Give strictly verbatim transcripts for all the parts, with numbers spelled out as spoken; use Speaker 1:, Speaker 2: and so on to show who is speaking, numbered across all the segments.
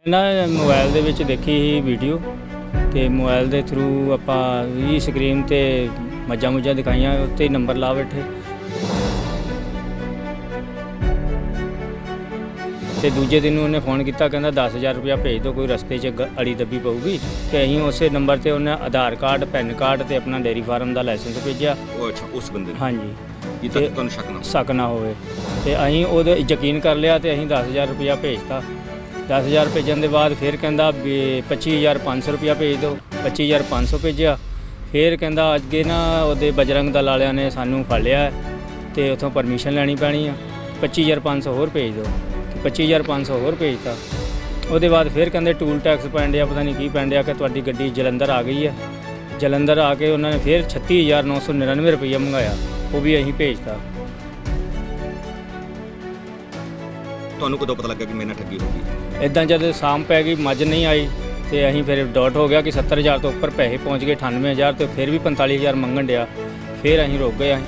Speaker 1: ਨਾ ਮੋਬਾਈਲ ਦੇ ਵਿੱਚ ਦੇਖੀ ਸੀ ਵੀਡੀਓ ਤੇ ਮੋਬਾਈਲ ਦੇ ਥਰੂ ਆਪਾਂ ਵੀ ਸਕਰੀਨ ਤੇ ਮੱਝਾਂ ਮੁੱਝਾਂ ਦਿਖਾਈਆਂ, ਉੱਤੇ ਨੰਬਰ ਲਾ ਬੈਠੇ ਤੇ ਦੂਜੇ ਦਿਨ ਉਹਨੇ ਫੋਨ ਕੀਤਾ, ਕਹਿੰਦਾ ਦਸ ਹਜ਼ਾਰ ਰੁਪਇਆ ਭੇਜ ਦਿਓ, ਕੋਈ ਰਸਤੇ 'ਚ ਗ- ਅੜੀ ਦੱਬੀ ਪਊਗੀ। ਤੇ ਅਸੀਂ ਉਸੇ ਨੰਬਰ ਤੇ ਉਹਨੇ ਆਧਾਰ ਕਾਰਡ, ਪੈਨ ਕਾਰਡ ਤੇ ਆਪਣਾ ਡੇਅਰੀ ਫਾਰਮ ਦਾ ਲਾਇਸੈਂਸ ਭੇਜਿਆ।
Speaker 2: ਉਹ ਅੱਛਾ ਉਸ ਬੰਦੇ ਨੂੰ
Speaker 1: ਹਾਂਜੀ,
Speaker 2: ਇਹ ਤਾਂ ਤੁਹਾਨੂੰ ਸ਼ੱਕ ਨਾ
Speaker 1: ਸ਼ੱਕ ਨਾ ਹੋਵੇ ਤੇ ਅਸੀਂ ਉਹਦੇ ਯਕੀਨ ਕਰ ਲਿਆ ਤੇ ਅਸੀਂ ਦਸ ਹਜ਼ਾਰ ਰੁਪਇਆ ਭੇਜਤਾ। ਦਸ ਹਜ਼ਾਰ ਭੇਜਣ ਦੇ ਬਾਅਦ ਫਿਰ ਕਹਿੰਦਾ ਵੀ ਪੱਚੀ ਹਜ਼ਾਰ ਪੰਜ ਸੌ ਰੁਪਇਆ ਭੇਜ ਦਿਓ। ਪੱਚੀ ਹਜ਼ਾਰ ਪੰਜ ਸੌ ਭੇਜਿਆ। ਫਿਰ ਕਹਿੰਦਾ ਅੱਗੇ ਨਾ ਉਹਦੇ ਬਜਰੰਗ ਦਲ ਵਾਲਿਆਂ ਨੇ ਸਾਨੂੰ ਫੜ ਲਿਆ ਤੇ ਉੱਥੋਂ ਪਰਮਿਸ਼ਨ ਲੈਣੀ ਪੈਣੀ ਆ, ਪੱਚੀ ਹਜ਼ਾਰ ਪੰਜ ਸੌ ਹੋਰ ਭੇਜ ਦਿਓ। ਤੇ ਪੱਚੀ ਹਜ਼ਾਰ ਪੰਜ ਸੌ ਹੋਰ ਭੇਜਤਾ। ਉਹਦੇ ਬਾਅਦ ਫਿਰ ਕਹਿੰਦੇ ਟੂਲ ਟੈਕਸ ਪੈਣ ਡਿਆ, ਪਤਾ ਨਹੀਂ ਕੀ ਪੈਣ ਡਿਆ, ਕਿ ਤੁਹਾਡੀ ਗੱਡੀ ਜਲੰਧਰ ਆ ਗਈ ਹੈ। ਜਲੰਧਰ ਆ ਕੇ ਉਹਨਾਂ ਨੇ ਫਿਰ ਛੱਤੀ ਹਜ਼ਾਰ ਨੌ ਸੌ ਨੜਿਨਵੇਂ ਰੁਪਈਆ ਮੰਗਾਇਆ, ਉਹ ਵੀ ਅਸੀਂ ਭੇਜਤਾ।
Speaker 2: ਤੁਹਾਨੂੰ ਕਦੋਂ ਪਤਾ ਲੱਗਾ ਕਿ ਮੇਰੇ ਨਾਲ ਠੱਗੀ ਹੋ ਗਈ?
Speaker 1: ਇੱਦਾਂ ਜਦ ਸ਼ਾਮ ਪੈ ਗਈ, ਮੱਝ ਨਹੀਂ ਆਈ ਤੇ ਅਸੀਂ ਫਿਰ ਡਾਟ ਹੋ ਗਿਆ ਕਿ ਸੱਤਰ ਹਜ਼ਾਰ ਤੋਂ ਉੱਪਰ ਪੈਸੇ ਪਹੁੰਚ ਗਏ, ਅਠਾਨਵੇਂ ਹਜ਼ਾਰ ਤੇ ਫਿਰ ਵੀ ਪੰਤਾਲੀ ਹਜ਼ਾਰ ਮੰਗਣ ਡਿਆ। ਫਿਰ ਅਸੀਂ ਰੁਕ ਗਏ।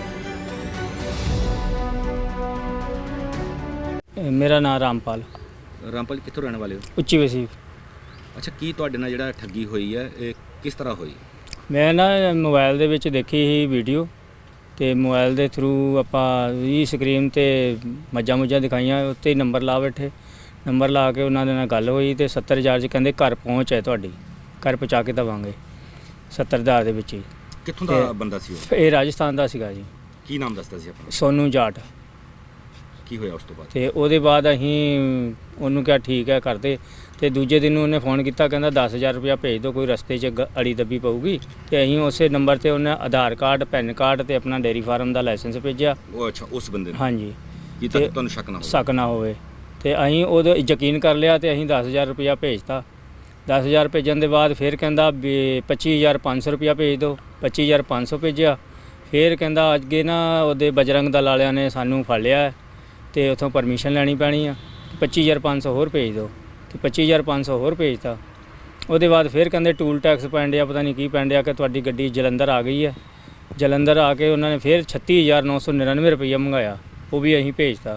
Speaker 1: ਅਸੀਂ ਮੇਰਾ ਨਾਮ ਰਾਮਪਾਲ,
Speaker 2: ਰਾਮਪਾਲ ਕਿੱਥੋਂ ਰਹਿਣ ਵਾਲੇ ਹੋ?
Speaker 1: ਉੱਚੀ ਵਸੀਫ।
Speaker 2: ਅੱਛਾ, ਕੀ ਤੁਹਾਡੇ ਨਾਲ ਜਿਹੜਾ ਠੱਗੀ ਹੋਈ ਹੈ ਇਹ ਕਿਸ ਤਰ੍ਹਾਂ ਹੋਈ?
Speaker 1: ਮੈਂ ਨਾ ਮੋਬਾਈਲ ਦੇ ਵਿੱਚ ਦੇਖੀ ਸੀ ਵੀਡੀਓ ਤੇ ਮੋਬਾਈਲ ਦੇ ਥਰੂ ਆਪਾਂ ਵੀ ਸਕਰੀਨ ਤੇ ਮੱਝਾਂ ਮੁੱਝਾਂ ਦਿਖਾਈਆਂ, ਉੱਤੇ ਨੰਬਰ ਲਾ ਬੈਠੇ। ਨੰਬਰ ਲਾ ਕੇ ਉਹਨਾਂ ਦੇ ਨਾਲ ਗੱਲ ਹੋਈ ਤੇ ਸੱਤਰ ਹਜ਼ਾਰ 'ਚ ਕਹਿੰਦੇ ਘਰ ਪਹੁੰਚ ਹੈ, ਤੁਹਾਡੀ ਘਰ ਪਹੁੰਚਾ ਕੇ ਦੇਵਾਂਗੇ ਸੱਤਰ ਹਜ਼ਾਰ ਦੇ ਵਿੱਚ ਹੀ।
Speaker 2: ਕਿੱਥੋਂ ਦਾ ਬੰਦਾ ਸੀ ਉਹ?
Speaker 1: ਇਹ ਰਾਜਸਥਾਨ ਦਾ ਸੀਗਾ ਜੀ।
Speaker 2: ਕੀ ਨਾਮ ਦੱਸਦਾ ਸੀ ਆਪਣਾ?
Speaker 1: ਸੋਨੂ ਜਾਟ।
Speaker 2: ਕੀ ਹੋਇਆ ਉਸ ਤੋਂ ਬਾਅਦ?
Speaker 1: ਤੇ ਉਹਦੇ ਬਾਅਦ ਅਸੀਂ ਉਹਨੂੰ ਕਿਹਾ ਠੀਕ ਹੈ ਕਰਦੇ। ਤੇ ਦੂਜੇ ਦਿਨ ਉਹਨੇ ਫੋਨ ਕੀਤਾ, ਕਹਿੰਦਾ ਦਸ ਹਜ਼ਾਰ ਰੁਪਇਆ ਭੇਜ ਦਿਓ, ਕੋਈ ਰਸਤੇ 'ਚ ਗ- ਅੜੀ ਦੱਬੀ ਪਊਗੀ। ਤੇ ਅਸੀਂ ਉਸੇ ਨੰਬਰ ਤੇ ਉਹਨੇ ਆਧਾਰ ਕਾਰਡ, ਪੈਨ ਕਾਰਡ ਤੇ ਆਪਣਾ ਡੇਅਰੀ ਫਾਰਮ ਦਾ ਲਾਇਸੈਂਸ ਭੇਜਿਆ।
Speaker 2: ਉਹ ਅੱਛਾ ਉਸ ਬੰਦੇ ਨੂੰ
Speaker 1: ਹਾਂਜੀ,
Speaker 2: ਇਹ ਤਾਂ
Speaker 1: ਤੇ
Speaker 2: ਤੁਹਾਨੂੰ ਸ਼ੱਕ ਨਾ ਹੋਵੇ?
Speaker 1: ਸ਼ੱਕ ਨਾ ਹੋਵੇ ਤੇ ਅਸੀਂ ਉਹਦੇ ਯਕੀਨ ਕਰ ਲਿਆ ਤੇ ਅਸੀਂ ਦਸ ਹਜ਼ਾਰ ਰੁਪਇਆ ਭੇਜਤਾ। ਦਸ ਹਜ਼ਾਰ ਭੇਜਣ ਦੇ ਬਾਅਦ ਫਿਰ ਕਹਿੰਦਾ ਵੀ ਪੱਚੀ ਹਜ਼ਾਰ ਪੰਜ ਸੌ ਰੁਪਇਆ ਭੇਜ ਦਿਓ। ਪੱਚੀ ਹਜ਼ਾਰ ਪੰਜ ਸੌ ਭੇਜਿਆ। ਫਿਰ ਕਹਿੰਦਾ ਅੱਗੇ ਨਾ ਉਹਦੇ ਬਜਰੰਗ ਦਲ ਵਾਲਿਆਂ ਨੇ ਸਾਨੂੰ ਫੜ ਲਿਆ ਤੇ ਉੱਥੋਂ ਪਰਮਿਸ਼ਨ ਲੈਣੀ ਪੈਣੀ ਆ, ਪੱਚੀ ਹਜ਼ਾਰ ਪੰਜ ਸੌ ਹੋਰ ਭੇਜ ਦਿਓ। ਤੇ ਪੱਚੀ ਹਜ਼ਾਰ ਪੰਜ ਸੌ ਹੋਰ ਭੇਜਤਾ। ਉਹਦੇ ਬਾਅਦ ਫਿਰ ਕਹਿੰਦੇ ਟੂਲ ਟੈਕਸ ਪੈਣ ਡਿਆ, ਪਤਾ ਨਹੀਂ ਕੀ ਪੈਣ ਡਿਆ, ਕਿ ਤੁਹਾਡੀ ਗੱਡੀ ਜਲੰਧਰ ਆ ਗਈ ਹੈ। ਜਲੰਧਰ ਆ ਕੇ ਉਹਨਾਂ ਨੇ ਫਿਰ ਛੱਤੀ ਹਜ਼ਾਰ ਨੌ ਸੌ ਨੜਿਨਵੇਂ ਰੁਪਈਆ ਮੰਗਾਇਆ, ਉਹ ਵੀ ਅਸੀਂ ਭੇਜਤਾ।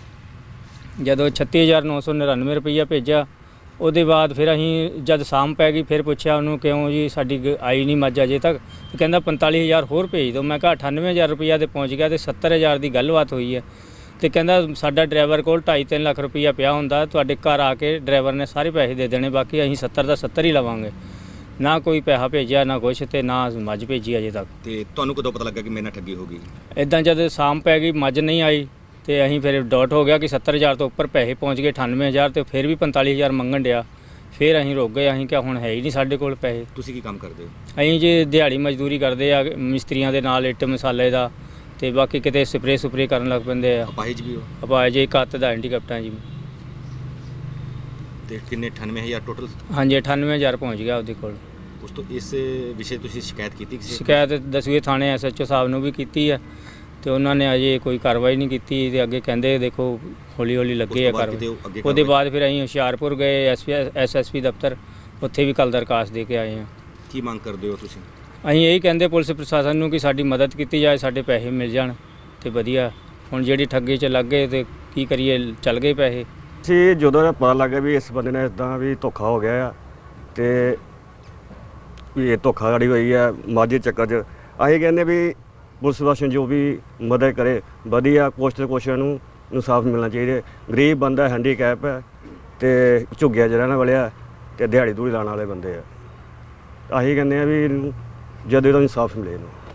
Speaker 1: ਜਦੋਂ ਛੱਤੀ ਹਜ਼ਾਰ ਨੌ ਸੌ ਨੜਿਨਵੇਂ ਰੁਪਈਆ ਭੇਜਿਆ, ਉਹਦੇ ਬਾਅਦ ਫਿਰ ਅਸੀਂ ਜਦ ਸ਼ਾਮ ਪੈ ਗਈ ਫਿਰ ਪੁੱਛਿਆ ਉਹਨੂੰ, ਕਿਉਂ ਜੀ ਸਾਡੀ ਗ- ਆਈ ਨਹੀਂ ਮੱਝ ਅਜੇ ਤੱਕ? ਤੇ ਕਹਿੰਦਾ ਪੰਤਾਲੀ ਹਜ਼ਾਰ ਹੋਰ ਭੇਜ ਦਿਓ। ਮੈਂ ਕਿਹਾ ਅਠਾਨਵੇਂ ਹਜ਼ਾਰ ਰੁਪਈਆ ਤੇ ਪਹੁੰਚ ਗਿਆ ਤੇ ਸੱਤਰ ਹਜ਼ਾਰ ਦੀ ਗੱਲਬਾਤ ਹੋਈ ਹੈ। ਤੇ ਕਹਿੰਦਾ ਸਾਡਾ ਡਰਾਈਵਰ ਕੋਲ ਢਾਈ ਤਿੰਨ ਲੱਖ ਰੁਪਈਆ ਪਿਆ ਹੁੰਦਾ, ਤੁਹਾਡੇ ਘਰ ਆ ਕੇ ਡਰਾਈਵਰ ਨੇ ਸਾਰੇ ਪੈਸੇ ਦੇ ਦੇਣੇ, ਬਾਕੀ ਅਸੀਂ ਸੱਤਰ ਦਾ ਸੱਤਰ ਹੀ ਲਵਾਂਗੇ। ਨਾ ਕੋਈ ਪੈਸਾ ਭੇਜਿਆ, ਨਾ ਕੁਛ, ਤੇ ਨਾ ਮੱਝ ਭੇਜੀ ਅਜੇ ਤੱਕ।
Speaker 2: ਤੇ ਤੁਹਾਨੂੰ ਕਦੋਂ ਪਤਾ ਲੱਗਾ ਕਿ ਮੇਰੇ ਨਾਲ ਠੱਗੀ ਹੋ ਗਈ?
Speaker 1: ਇੱਦਾਂ ਜਦ ਸ਼ਾਮ ਪੈ ਗਈ, ਮੱਝ ਨਹੀਂ ਆਈ ਤੇ ਅਸੀਂ ਫਿਰ ਡਾਟ ਹੋ ਗਿਆ ਕਿ ਸੱਤਰ ਹਜ਼ਾਰ ਤੋਂ ਉੱਪਰ ਪੈਸੇ ਪਹੁੰਚ ਗਏ, ਅਠਾਨਵੇਂ ਹਜ਼ਾਰ ਤੇ ਫਿਰ ਵੀ ਪੰਤਾਲੀ ਹਜ਼ਾਰ ਮੰਗਣ ਡਿਆ। ਫਿਰ ਅਸੀਂ ਰੁਕ ਗਏ। ਅਸੀਂ ਕਿਹਾ ਹੁਣ ਹੈ ਹੀ ਨਹੀਂ ਸਾਡੇ ਕੋਲ ਪੈਸੇ।
Speaker 2: ਤੁਸੀਂ ਕੀ ਕੰਮ ਕਰਦੇ ਹੋ?
Speaker 1: ਅਸੀਂ ਜੀ ਦਿਹਾੜੀ ਮਜ਼ਦੂਰੀ ਕਰਦੇ ਆ, ਮਿਸਤਰੀਆਂ ਦੇ ਨਾਲ, ਇੱਟ ਮਸਾਲੇ ਦਾ, ਤੇ ਬਾਕੀ ਕਿਤੇ ਸਪਰੇ ਸੁਪਰੇ ਕਰਨ ਲੱਗ ਪੈਂਦੇ ਆ।
Speaker 2: ਅਪਾਹਿਜ ਵੀ ਹੋ?
Speaker 1: ਆਪਾਂ ਜੇ ਇੱਕ ਹੱਥ ਦਾ ਹੈਂਡੀਕੈਪਟਾਂ ਜੀ।
Speaker 2: ਤੇ ਕਿੰਨੇ ਅਠਾਨਵੇਂ ਹਜ਼ਾਰ ਟੋਟਲ?
Speaker 1: ਹਾਂਜੀ, ਅਠਾਨਵੇਂ ਹਜ਼ਾਰ ਪਹੁੰਚ ਗਿਆ ਉਹਦੇ ਕੋਲ।
Speaker 2: ਉਸ ਤੋਂ ਇਸ ਵਿਸ਼ੇ ਤੁਸੀਂ ਸ਼ਿਕਾਇਤ ਕੀਤੀ ਕਿਸੇ?
Speaker 1: ਸ਼ਿਕਾਇਤ ਦਸਵੇਂ ਥਾਣੇ ਐਸ ਐਚ ਓ ਸਾਹਿਬ ਨੂੰ ਵੀ ਕੀਤੀ ਹੈ ਤੇ ਉਹਨਾਂ ਨੇ ਅਜੇ ਕੋਈ ਕਾਰਵਾਈ ਨਹੀਂ ਕੀਤੀ। ਤੇ ਅੱਗੇ ਕਹਿੰਦੇ ਦੇਖੋ ਹੌਲੀ ਹੌਲੀ ਲੱਗੇ ਆ ਕਾਰਵਾਈ। ਉਹਦੇ ਬਾਅਦ ਫਿਰ ਅਸੀਂ ਹੁਸ਼ਿਆਰਪੁਰ ਗਏ ਐਸ ਐਸ ਐਸ ਪੀ ਦਫ਼ਤਰ, ਉੱਥੇ ਵੀ ਕੱਲ੍ਹ ਦਰਖਾਸਤ ਦੇ ਕੇ ਆਏ ਹਾਂ।
Speaker 2: ਕੀ ਮੰਗ ਕਰਦੇ ਹੋ ਤੁਸੀਂ?
Speaker 1: ਅਸੀਂ ਇਹੀ ਕਹਿੰਦੇ ਪੁਲਿਸ ਪ੍ਰਸ਼ਾਸਨ ਨੂੰ ਕਿ ਸਾਡੀ ਮਦਦ ਕੀਤੀ ਜਾਏ, ਸਾਡੇ ਪੈਸੇ ਮਿਲ ਜਾਣ ਤੇ ਵਧੀਆ। ਹੁਣ ਜਿਹੜੀ ਠੱਗੀ 'ਚ ਲੱਗ ਗਏ ਤੇ ਕੀ ਕਰੀਏ, ਚੱਲ ਗਏ ਪੈਸੇ।
Speaker 3: ਸੀ ਜਦੋਂ ਇਹ ਪਤਾ ਲੱਗਾ ਵੀ ਇਸ ਬੰਦੇ ਨੇ ਇਦਾਂ ਵੀ ਧੋਖਾ ਹੋ ਗਿਆ ਆ ਤੇ ਵੀ ਇਹ ਧੋਖਾਧੜੀ ਹੋਈ ਆ ਮੱਝ ਦੇ ਚੱਕਰ 'ਚ, ਅਸੀਂ ਕਹਿੰਦੇ ਵੀ ਪੁਲਿਸ ਪ੍ਰਸ਼ਾਸਨ ਜੋ ਵੀ ਮਦਦ ਕਰੇ ਵਧੀਆ, ਕੁਛ ਤੇ ਕੁਛ ਨੂੰ ਇਨਸਾਫ ਮਿਲਣਾ ਚਾਹੀਦਾ। ਗਰੀਬ ਬੰਦਾ, ਹੈਂਡੀਕੈਪ ਹੈ ਤੇ ਝੁੱਗਿਆ 'ਚ ਰਹਿਣ ਵਾਲਿਆ ਤੇ ਦਿਹਾੜੀ ਦੂੜੀ ਲਾਉਣ ਵਾਲੇ ਬੰਦੇ ਆ। ਅਸੀਂ ਕਹਿੰਦੇ ਆ ਵੀ ਇਹਨੂੰ ਜਦੋਂ ਇਹਦਾ ਇਨਸਾਫ ਮਿਲੇ ਇਹਨੂੰ।